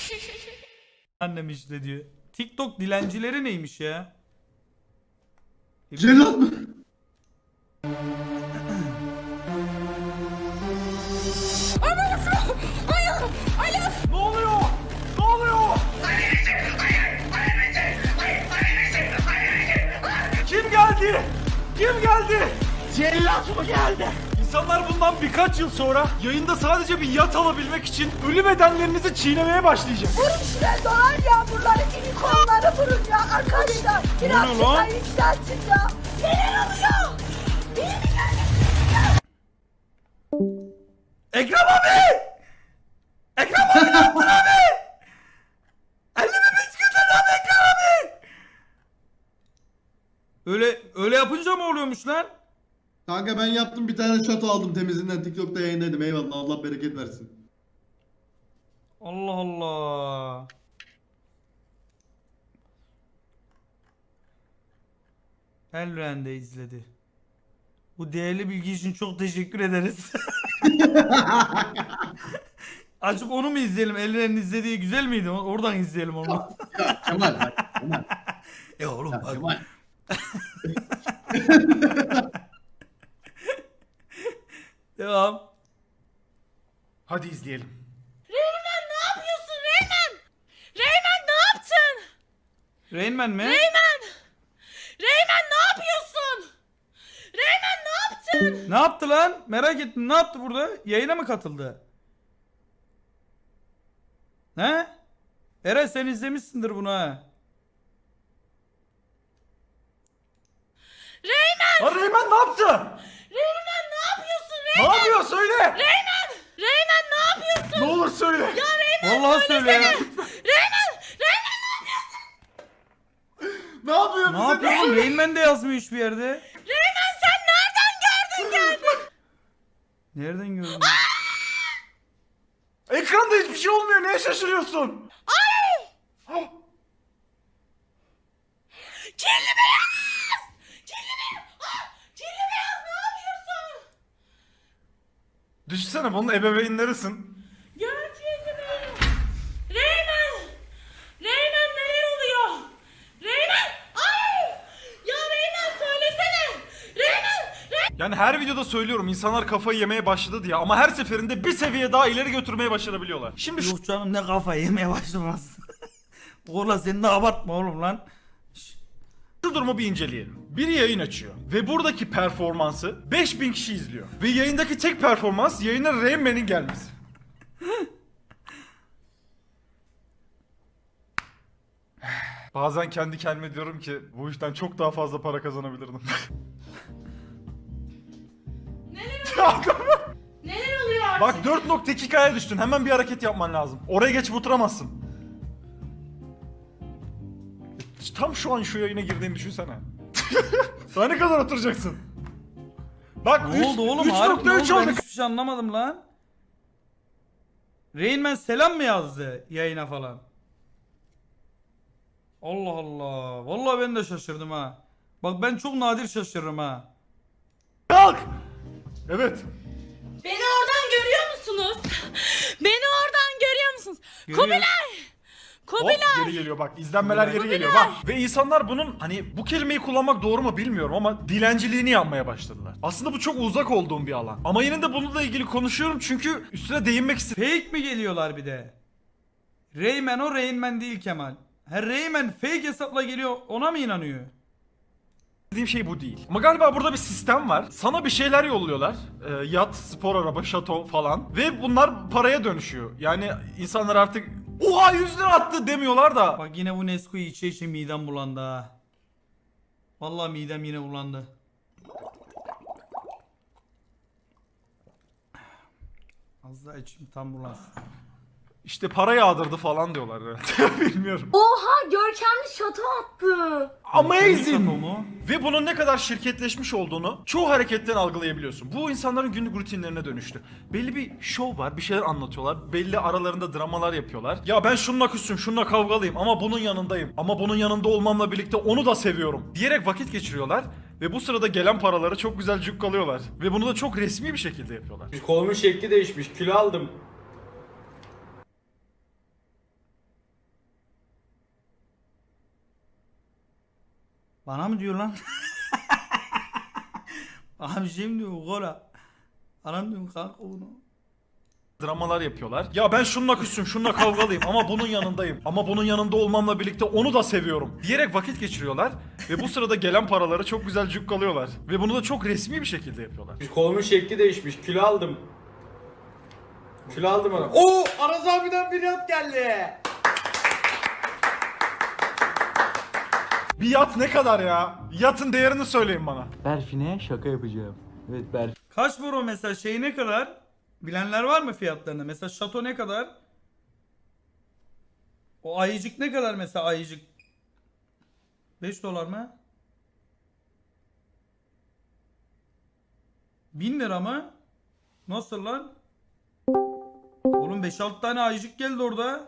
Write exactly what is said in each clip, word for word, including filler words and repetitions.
Annem işte diyor. TikTok dilencileri neymiş ya? Celal mı? Ne oluyor? Ne oluyor? Kim geldi? Kim geldi? Cellat mı geldi? İnsanlar bundan birkaç yıl sonra yayında sadece bir yat alabilmek için ölü bedenlerinizi çiğnemeye başlayacak. Vurun şuraya dolar yağmurları, unicornları vurun ya arkadaşlar. Biraz ne lan? şurayı yükseltin ya. Neler oluyor? Benim Ekrem abi! Ekrem abi ne yaptın abi? Elimi bisküvitle abi Ekrem abi! Öyle, öyle yapınca mı oluyormuş lan? Kanka ben yaptım, bir tane şato aldım temizinden, TikTok'ta yayınladım. Eyvallah, Allah bereket versin. Allah Allah. Elren de izledi. Bu değerli bilgi için çok teşekkür ederiz. Açıp onu mu izleyelim? Elren'in izlediği güzel miydi? Oradan izleyelim onu. Ya Kemal bak, Kemal. E oğlum Ya bak. Kemal. Devam. Hadi izleyelim. Reymen ne yapıyorsun Reymen? Reymen ne yaptın? Rain Man mi? Reymen! Reymen ne yapıyorsun? Reymen ne yaptın? Ne yaptı lan? Merak ettim. Ne yaptı burada? Yayına mı katıldı? He? Eren sen izlemişsindir bunu ha. Reymen! Ha Reymen ne yaptı? Reymen ne yapıyorsun Ne Reymen? yapıyor söyle. Reymen! Reymen ne yapıyorsun? Ne olur söyle. Ya Reymen Vallahi söyle ya. Reymen! Reymen Ne yapıyor Ne bize? yapıyorsun? Rain Man de yazmıyor hiçbir yerde. Reymen sen nereden gördün geldin? Nereden gördün? Ekranda hiçbir şey olmuyor. Neye şaşırıyorsun? Kirli beyaz! Kirli beyaz! Ah! Kirli beyaz ne yapıyorsun? Düşünsene bunun ebeveynlerisin. Gördüğünüz gibi. Reymen! Reymen neler oluyor? Reymen! Ay! Ya Reymen söylesene! Reymen! Reymen! Yani her videoda söylüyorum insanlar kafayı yemeye başladı diye ama her seferinde bir seviye daha ileri götürmeye başarabiliyorlar. Şimdi şu Yok canım ne kafa yemeye başlamaz. Oğlan sen de abartma oğlum lan. Şu durumu bir inceleyelim. Biri yayın açıyor ve buradaki performansı beş bin kişi izliyor. Ve yayındaki tek performans yayına Rain Man'in gelmesi. Bazen kendi kendime diyorum ki bu işten çok daha fazla para kazanabilirdim. Neler oluyor artık? Bak dört nokta iki K'ya düştün. Hemen bir hareket yapman lazım. Oraya geçip oturamazsın. Tam şu an şu yayına girdiğini düşünsene. Daha ne kadar oturacaksın? Bak Ne oldu oğlum? üç Harbi nokta ne üç oldu? Ben oldu. hiçbir şey anlamadım lan. Rain Man selam mı yazdı yayına falan? Allah Allah. Vallahi ben de şaşırdım ha. Bak ben çok nadir şaşırırım ha. Kalk. Evet. Beni oradan görüyor musunuz? Beni oradan görüyor musunuz? Görüyor. Kubilay! Hop Kubilay! geri geliyor bak. İzlenmeler geri geliyor bak. Ve insanlar bunun hani bu kelimeyi kullanmak doğru mu bilmiyorum ama dilenciliğini yapmaya başladılar. Aslında bu çok uzak olduğum bir alan. Ama yine de bununla ilgili konuşuyorum çünkü üstüne değinmek istedim. Fake mi geliyorlar bir de? Rayman o Rain Man değil Kemal. Her Rayman fake hesapla geliyor ona mı inanıyor? Dediğim şey bu değil. Ama galiba burada bir sistem var. Sana bir şeyler yolluyorlar. Ee, yat, spor araba, şato falan. Ve bunlar paraya dönüşüyor. Yani insanlar artık oha yüz lira attı demiyorlar da. Bak yine bu Nesquik'i içe içe midem bulandı ha. Vallahi midem yine bulandı. Az daha içim tam bulansın. İşte para yağdırdı falan diyorlar herhalde. Bilmiyorum. Oha görkemli şato attı. Amazing. Şato mu? Ve bunun ne kadar şirketleşmiş olduğunu çoğu hareketten algılayabiliyorsun. Bu insanların günlük rutinlerine dönüştü. Belli bir şov var, bir şeyler anlatıyorlar. Belli aralarında dramalar yapıyorlar. Ya ben şununla küsüm, şununla kavgalıyım ama bunun yanındayım. Ama bunun yanında olmamla birlikte onu da seviyorum diyerek vakit geçiriyorlar. Ve bu sırada gelen paraları çok güzel cukkalıyorlar. Ve bunu da çok resmi bir şekilde yapıyorlar. Kolumun şekli değişmiş. Kilo aldım. Bana mı diyor lan? Bana bir şey mi diyor Gora? Anam diyorum kanka bunu. Dramalar yapıyorlar. Ya ben şununla küssüm, şununla kavgalıyım ama bunun yanındayım. Ama bunun yanında olmamla birlikte onu da seviyorum diyerek vakit geçiriyorlar. Ve bu sırada gelen paraları çok güzel cukkalıyorlar. Ve bunu da çok resmi bir şekilde yapıyorlar. Kolumun şekli değişmiş. Kilo aldım. Kilo aldım ona. Oo! Aras abiden bir yat geldi. Bir yat ne kadar ya? Yatın değerini söyleyin bana. Berfin'e şaka yapacağım. Evet Berfin. Kaç bro mesela şey ne kadar? Bilenler var mı fiyatlarını? Mesela şato ne kadar? O ayıcık ne kadar mesela ayıcık? beş dolar mı? bin lira mı? Nasıl lan? Oğlum beş altı tane ayıcık geldi orada.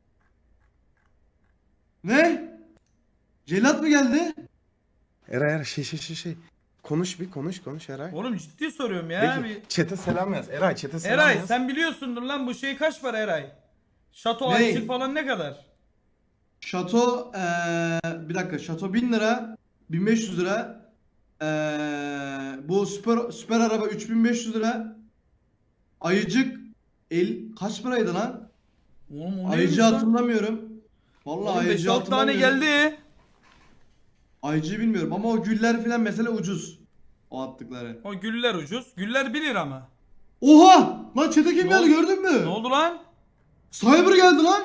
Ne? Celat mı geldi? Eray Eray şey şey şey şey. Konuş bir konuş konuş Eray. Oğlum ciddi soruyorum ya. Peki Bir... chat'e selam yaz. Eray chat'e selam Eray yaz. sen biliyorsundur lan bu şey kaç para Eray? Şato Ne? ayıcık falan ne kadar? Şato eee bir dakika şato bin lira, bin beş yüz lira. Eee bu süper süper araba üç bin beş yüz lira. Ayıcık el kaç paraydı lan? Oğlum o Ayıcı neymiş lan? hatırlamıyorum. Vallahi Oğlum beş ayıcı altı tane hatırlamıyorum. geldi. Ayıcıyı bilmiyorum ama o güller filan mesela ucuz. O attıkları. O güller ucuz. Güller bir lira mı? Oha! Lan çete kim Ne geldi oldu? gördün mü? Ne oldu lan? Cyber geldi lan.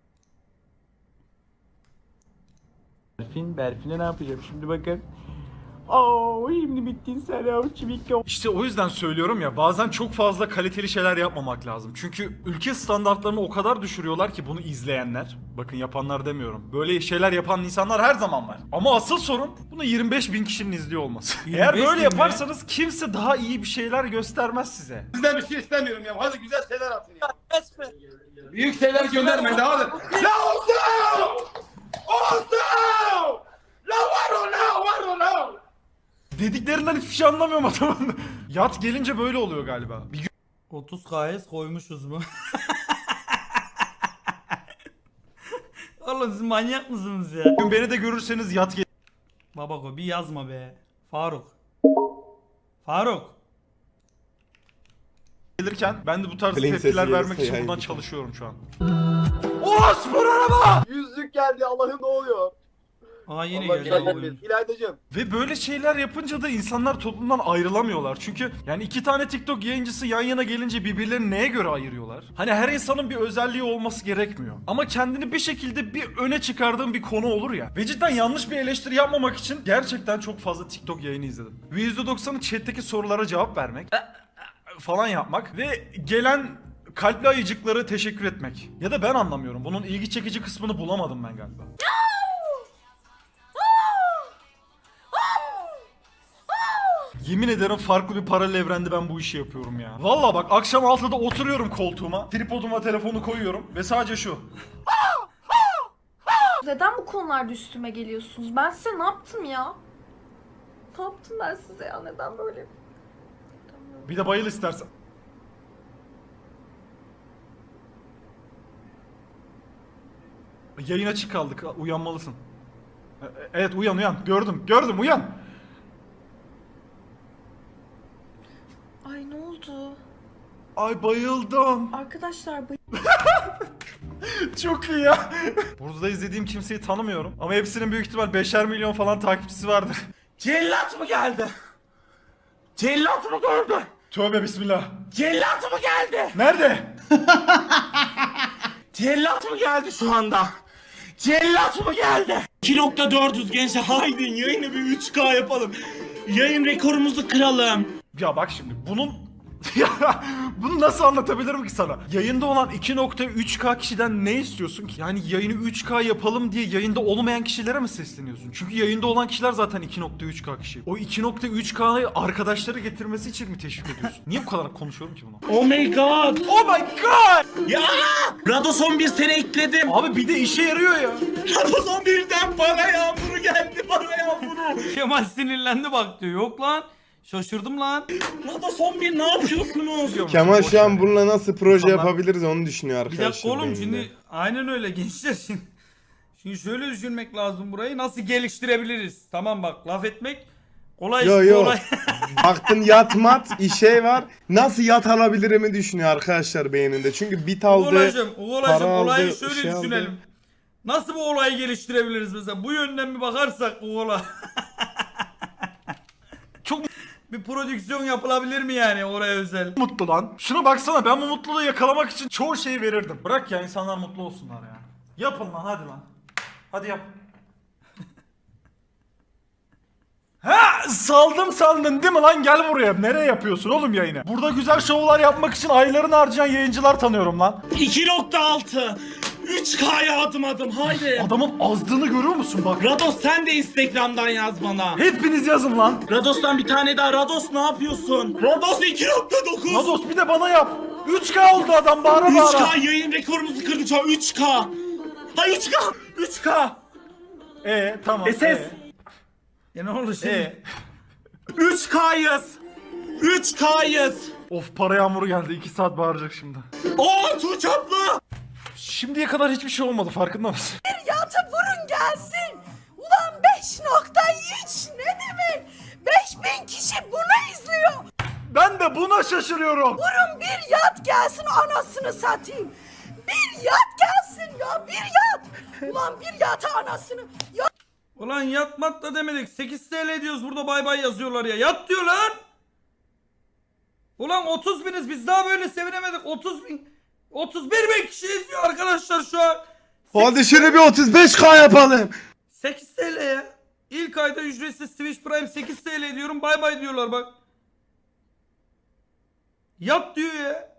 Berfin, Berfin'e ne yapacağım şimdi bakın. Oo, şimdi bittin sen ya çimikko. İşte o yüzden söylüyorum ya, bazen çok fazla kaliteli şeyler yapmamak lazım. Çünkü ülke standartlarını o kadar düşürüyorlar ki bunu izleyenler. Bakın yapanlar demiyorum. Böyle şeyler yapan insanlar her zaman var. Ama asıl sorun bunu yirmi beş bin kişinin izliyor olması. Eğer yirmi beş böyle bin yaparsanız kimse daha iyi bir şeyler göstermez size. Sizden bir şey istemiyorum ya. Hadi güzel şeyler atın ya. Büyük şeyler göndermeyin de hadi. La olsun! Olsun! La var o la var o la! Dediklerinden hiçbir şey anlamıyorum adamın. Yat gelince böyle oluyor galiba. Bir otuz K S koymuşuz mu? Oğlum siz manyak mısınız ya? gün beni de görürseniz yat gel- Babako bir yazma be. Faruk. Faruk. gelirken ben de bu tarz Plain tepkiler sesi vermek yarısı için yayın buradan biter. çalışıyorum şu an. O spor araba! Yüzlük geldi Allah'ım ne oluyor? Aa yine Allah geldi. güzel oyun. geldi. İlaydacığım. Ve böyle şeyler yapınca da insanlar toplumdan ayrılamıyorlar. Çünkü yani iki tane TikTok yayıncısı yan yana gelince birbirlerini neye göre ayırıyorlar? Hani her insanın bir özelliği olması gerekmiyor. Ama kendini bir şekilde bir öne çıkardığın bir konu olur ya. Ve cidden yanlış bir eleştiri yapmamak için gerçekten çok fazla TikTok yayını izledim. Ve yüzde doksanı chat'teki sorulara cevap vermek falan yapmak ve gelen kalpli ayıcıkları teşekkür etmek. Ya da ben anlamıyorum. Bunun ilgi çekici kısmını bulamadım ben galiba. Yemin ederim farklı bir paralel evrende ben bu işi yapıyorum ya. Valla bak akşam altıda oturuyorum koltuğuma, tripoduma telefonu koyuyorum ve sadece şu. Neden bu konularda üstüme geliyorsunuz? Ben size ne yaptım ya? Ne yaptım ben size ya? Neden böyle? Bir de bayıl istersen. Yayın açık kaldık. Uyanmalısın. E- Evet uyan uyan. Gördüm. Gördüm uyan. Ay ne oldu? Ay bayıldım. Arkadaşlar bu Çok iyi ya. Burada izlediğim kimseyi tanımıyorum. Ama hepsinin büyük ihtimal beşer milyon falan takipçisi vardır. Cellat mı geldi? Cellat mı gördü? Tövbe bismillah. Cellat mı geldi? Nerede? Cellat mı geldi şu anda? Cellat mı geldi? iki nokta dördüz gençler haydi yayını bir üç K yapalım. Yayın rekorumuzu kıralım. Ya bak şimdi bunun ya bunu nasıl anlatabilirim ki sana? Yayında olan iki nokta üç K kişiden ne istiyorsun ki? Yani yayını üç K yapalım diye yayında olmayan kişilere mi sesleniyorsun? Çünkü yayında olan kişiler zaten iki nokta üç K kişi. O iki nokta üç K'yı arkadaşları getirmesi için mi teşvik ediyorsun? Niye bu kadar konuşuyorum ki bunu? Oh my god. Oh my god! Ya! Rados on bir sene ekledim. Abi bir de işe yarıyor ya. Rados on birden para yağmuru geldi para yağmuru. Kemal sinirlendi bak diyor. Yok lan. Şaşırdım lan. Rados on bir ne yapıyorsunuz? Kemal şu an bununla nasıl proje İnsanlar- yapabiliriz onu düşünüyor Bir arkadaşlar. dakika oğlum beyninde. şimdi aynen öyle gençler şimdi. Şimdi şöyle düşünmek lazım burayı. Nasıl geliştirebiliriz? Tamam bak laf etmek kolay. Yo yo. kolay. Baktın yat mat işe var. Nasıl yat alabilirimi düşünüyor arkadaşlar beyninde. Çünkü bit aldı. Uğuracım, Uğuracım para olayı aldı, şöyle şey aldı. düşünelim. Nasıl bu olayı geliştirebiliriz mesela? Bu yönden bir bakarsak bu olay. Çok bir prodüksiyon yapılabilir mi yani oraya özel? mutlu lan. Şuna baksana, ben bu mutluluğu yakalamak için çoğu şeyi verirdim. Bırak ya, insanlar mutlu olsunlar ya. Yapın lan, hadi lan. Hadi yap. Ha, saldım sandın değil mi lan? Gel buraya. Nereye yapıyorsun oğlum yayını? Burada güzel şovlar yapmak için aylarını harcayan yayıncılar tanıyorum lan. iki nokta altı üç K'ya adım adım haydi. Adamın azdığını görüyor musun bak? Rados sen de Instagram'dan yaz bana. Hepiniz yazın lan. Rados'tan bir tane daha. Rados ne yapıyorsun? Rados iki nokta dokuz. Rados bir de bana yap. üç K oldu adam, bağıra bağıra. üç K yayın rekorumuzu kırdı şu an. üç K. Ha üç K. üç K. Ee tamam. E ses. ee. Ya ne oldu şimdi? Ee. üç K'yız. üç K'yız. Of, para yağmuru geldi. iki saat bağıracak şimdi. Oo Tuğçe abla. Şimdiye kadar hiçbir şey olmadı, farkında mısın? Yata vurun gelsin. Ulan beş nokta üç ne demek? beş bin kişi bunu izliyor. Ben de buna şaşırıyorum. Vurun bir yat gelsin anasını satayım. Bir yat gelsin ya bir yat. Ulan bir yata anasını. Ya Ulan yatmat da demedik. sekiz TL diyoruz burada bay bay yazıyorlar ya. Yat diyor lan. Ulan otuz biniz biz daha böyle sevinemedik. otuz bin. otuz bir bin kişi izliyor arkadaşlar şu an. Hadi şöyle bir otuz beş K yapalım. sekiz TL ya. İlk ayda ücretsiz Twitch Prime sekiz TL diyorum. Bay bay diyorlar bak. Yat diyor ya.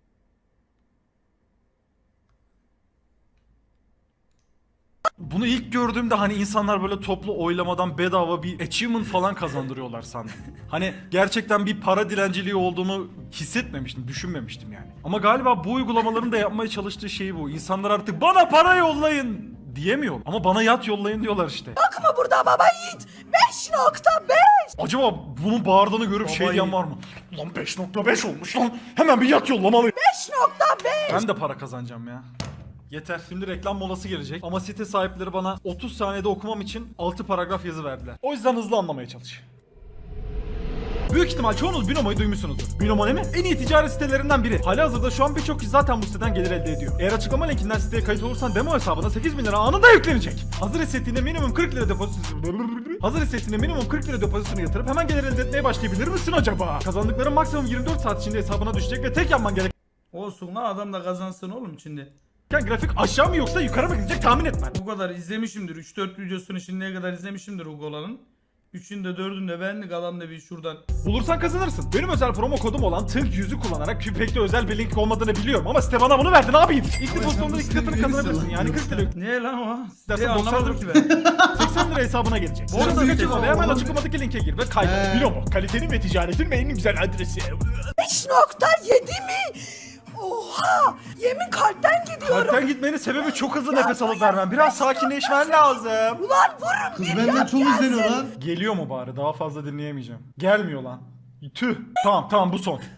Bunu ilk gördüğümde hani insanlar böyle toplu oylamadan bedava bir achievement falan kazandırıyorlar sandım. Hani gerçekten bir para dilenciliği olduğunu hissetmemiştim, düşünmemiştim yani. Ama galiba bu uygulamaların da yapmaya çalıştığı şey bu. İnsanlar artık bana para yollayın diyemiyor. Ama bana yat yollayın diyorlar işte. bakma burada baba yiğit. beş nokta beş. Acaba bunun bağırdığını görüp şey diyen var mı? Lan beş nokta beş olmuş lan. Hemen bir yat yollamalıyım. beş nokta beş. Ben de para kazanacağım ya. Yeter. Şimdi reklam molası gelecek. Ama site sahipleri bana otuz saniyede okumam için altı paragraf yazı verdiler. O yüzden hızlı anlamaya çalış. Büyük ihtimal çoğunuz Binomo'yu duymuşsunuzdur. Binomo ne mi? En iyi ticaret sitelerinden biri. Halihazırda şu an birçok kişi zaten bu siteden gelir elde ediyor. Eğer açıklama linkinden siteye kayıt olursan demo hesabına sekiz bin lira anında yüklenecek. Hazır hissettiğinde minimum kırk lira depozito... Hazır hissettiğinde minimum kırk lira depozitonu yatırıp hemen gelir elde etmeye başlayabilir misin acaba? Kazandıkların maksimum yirmi dört saat içinde hesabına düşecek ve tek yapman gereken Olsun lan adam da kazansın oğlum şimdi. grafik aşağı mı yoksa yukarı mı gidecek tahmin etmen. Bu kadar izlemişimdir. üç dört videosunu şimdiye kadar izlemişimdir Hugo'ların. üçünde dördünde beğendik adam da bir şuradan. Bulursan kazanırsın. Benim özel promo kodum olan Tınk yüzü kullanarak pek de özel bir link olmadığını biliyorum ama site bana bunu verdi, ne yapayım? İlk depozitonda iki katını kazanabilirsin yani kırk lira. Ne lan o? İstersen Ne doksan anlamadım ki lira. ben. seksen lira hesabına gelecek. Bu arada arada bir kaçırma şey ve hemen olabilir. açıklamadaki linke gir ve kaydet. Ee. Biliyor mu? Kalitenin ve ticaretin en güzel adresi. beş nokta yedi mi? Oha! Yemin kalpten gidiyorum. Kalpten gitmenin sebebi çok hızlı nefes alıp vermem. Biraz sakinleşmen lazım. Ulan vurun Kız bir benden yat çok gelsin. izleniyor lan. Geliyor mu bari? Daha fazla dinleyemeyeceğim. Gelmiyor lan. Tüh. Tamam tamam bu son.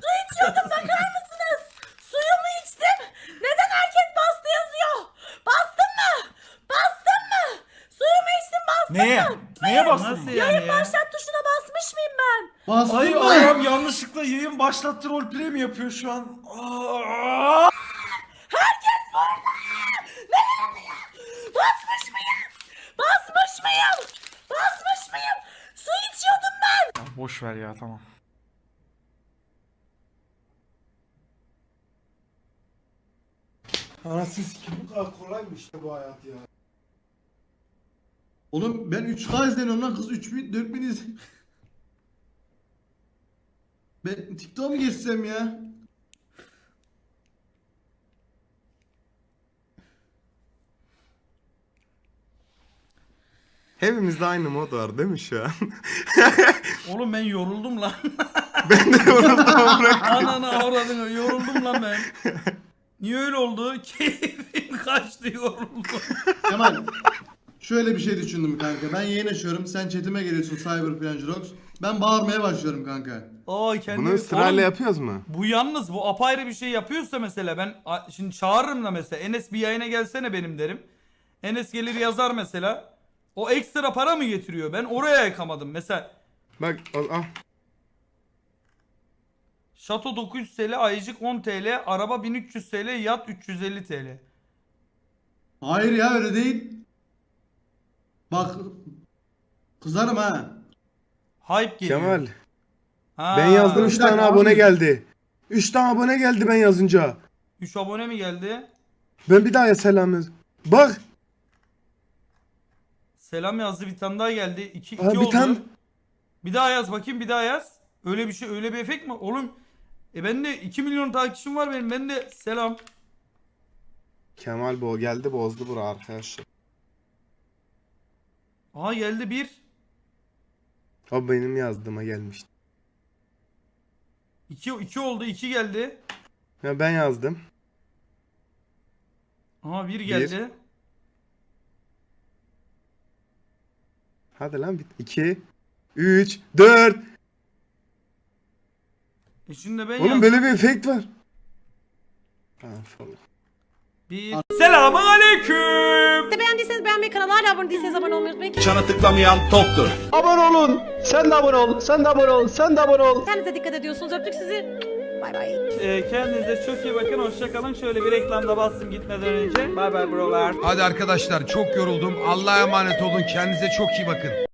Suyumu içtim. Neden herkes bastı yazıyor? Bastın mı? Bastın mı? Suyumu içtim bastın Neye? mı? Neye bastın? Nasıl yani ya? Başlat tuşuna basmış mıyım ben? Bastın Ay mı? ayağım yanlışlıkla yayın başlattı, roleplay mi yapıyor şu an? Aa! Basmış mıyım? Basmış mıyım? Basmış mıyım? Su içiyordum ben. Boş ver ya, tamam. Anasını sikim, bu kadar kolaymış işte bu hayat ya. Oğlum ben üç K izleniyorum lan, kız üç bin dört bin izleniyor. Ben TikTok'a mı geçsem ya? Hepimizde aynı mod var değil mi şu an? Oğlum ben yoruldum lan. Ben de yoruldum amına. Anana avradını yoruldum lan ben. Niye öyle oldu? Keyfim kaçtı, yoruldum. Kemal şöyle bir şey düşündüm kanka. Ben yayın açıyorum. Sen chatime geliyorsun Cyber Flangerox. Ben bağırmaya başlıyorum kanka. Aa kendimi... Bunu sırayla Oğlum, yapıyoruz mu? bu yalnız bu apayrı bir şey yapıyorsa mesela ben a- şimdi çağırırım da mesela Enes bir yayına gelsene benim derim. Enes gelir yazar mesela. O ekstra para mı getiriyor? Ben oraya yakamadım. Mesela Bak al al. Şato dokuz yüz TL, ayıcık on TL, araba bin üç yüz TL, yat üç yüz elli TL. Hayır ya öyle değil. Bak kızarım ha. Hype geliyor. Kemal. Ha, Ben yazdım üç bir dakika tane abi. abone geldi. üç tane abone geldi ben yazınca. üç abone mi geldi? Ben bir daha selam yaz. Bak. Selam yazdı, bir tane daha geldi. iki, iki Aa, bir oldu. tane. Bir daha yaz bakayım, bir daha yaz. Öyle bir şey, öyle bir efekt mi? Oğlum e ben de iki milyon takipçim var benim. Ben de selam. Kemal bu geldi bozdu bura arkadaşlar. Aha geldi bir. O benim yazdığıma gelmişti. iki, iki oldu, iki geldi. Ya ben yazdım. Aha bir geldi. Hadi lan bit. iki, üç, dört. E şimdi ben Oğlum yazdım. böyle bir efekt var. Ha, falan. Bir. Selamun aleyküm. Beğendiyseniz beğenmeyi, kanala hala abone değilseniz abone olmayı unutmayın. Çana tıklamayan toptur. Abone olun. Sen de abone ol. Sen de abone ol. Sen de abone ol. Kendinize dikkat ediyorsunuz. Öptük sizi. Bay bay. Ee, kendinize çok iyi bakın. Hoşça kalın. Şöyle bir reklamda bastım gitmeden önce. Bay bay brolar. Hadi arkadaşlar çok yoruldum. Allah'a emanet olun. Kendinize çok iyi bakın.